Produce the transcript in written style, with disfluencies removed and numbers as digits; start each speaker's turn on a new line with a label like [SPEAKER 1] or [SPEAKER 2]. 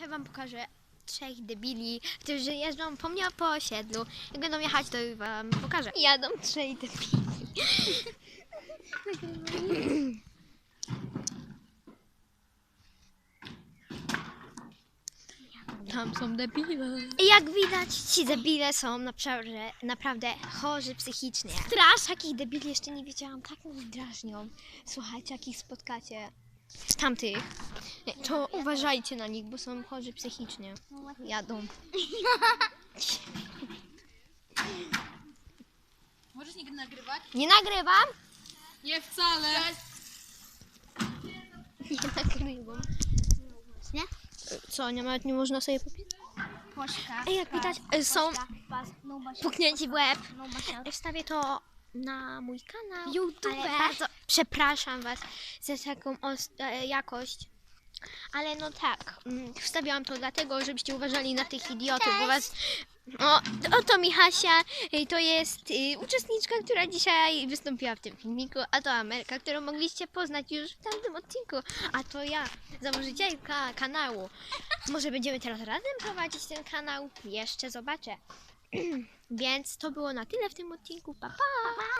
[SPEAKER 1] dzisiaj wam pokażę 3 debili, którzy jeżdżą po mnie po osiedlu. Jak będą jechać, to wam pokażę. Jadą 3 debili. Tam są debile. I jak widać, ci debile są naprawdę chorzy psychicznie. Strasz, jakich debili jeszcze nie widziałam, tak mnie drażnią. Słuchajcie, jakich spotkacie tamtych, to uważajcie na nich, bo są chorzy psychicznie. Jadą.
[SPEAKER 2] Możesz nigdy nagrywać?
[SPEAKER 1] Nie nagrywam?
[SPEAKER 2] Nie wcale.
[SPEAKER 1] Nie nagrywam.
[SPEAKER 3] Nie?
[SPEAKER 1] Co, nawet nie można sobie popisać?
[SPEAKER 3] Poszka.
[SPEAKER 1] Ej, jak widać, są puknięci w łeb. Wstawię to na mój kanał. YouTube. Ale bardzo przepraszam was za taką jakość. Ale no tak, wstawiałam to dlatego, żebyście uważali na tych idiotów, bo was... Oto Michasia, to jest uczestniczka, która dzisiaj wystąpiła w tym filmiku, a to Amelka, którą mogliście poznać już w tamtym odcinku, a to ja, założycielka kanału. Może będziemy teraz razem prowadzić ten kanał? Jeszcze zobaczę. Więc to było na tyle w tym odcinku. Pa, pa!